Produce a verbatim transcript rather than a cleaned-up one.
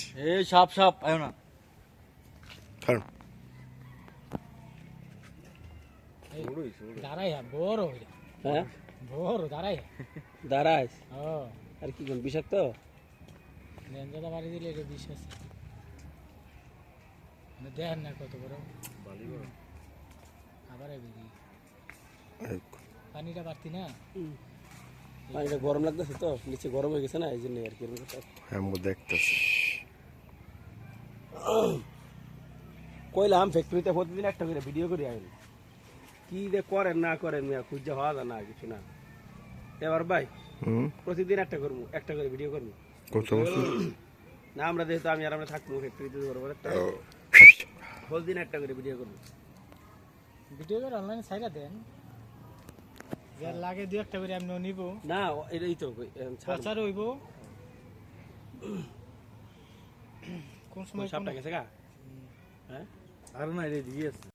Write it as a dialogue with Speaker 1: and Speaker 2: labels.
Speaker 1: এই সাপ সাপ আয়ো না
Speaker 2: কারণ
Speaker 3: দাঁড়াই বড়
Speaker 4: হ্যাঁ
Speaker 3: বড় দাঁড়াই
Speaker 4: দাঁড়াইস
Speaker 3: ও
Speaker 4: আর কি কোন বিষাক্ত
Speaker 3: লেঞ্জাটা বাড়ি দিলে এটা বিশ্বাস দেখেন না কত বড় আবার এদিকে পানিটা বাড়তি না
Speaker 4: পানিটা গরম লাগতেছে তো নিচে গরম হয়ে গেছে না এই জন্য আর কি
Speaker 2: আমি দেখতেছি
Speaker 4: কইলাম ফ্যাক্টরিতে প্রতিদিন একটা করে ভিডিও করে আইন কি যে করেন না করেন মিয়া খুঁজে হওয়া যায় না কিছু না এবার ভাই
Speaker 2: হুম
Speaker 4: প্রতিদিন একটা করবো একটা করে ভিডিও করবো
Speaker 2: কত বছর
Speaker 4: না আমরা যেহেতু আমি আর আমরা থাকবো ফ্যাক্টরিতে করবো প্রতিদিন একটা করে ভিডিও করবো
Speaker 3: ভিডিও করে অনলাইনে ছাইরা দেন যার লাগে দু একটা করে আমি নিব
Speaker 4: না এটাই তো
Speaker 3: প্রচার হইব কোন সময়
Speaker 4: সাপটা গেছে গা হ্যাঁ
Speaker 1: আর না এটা দিয়ে আছে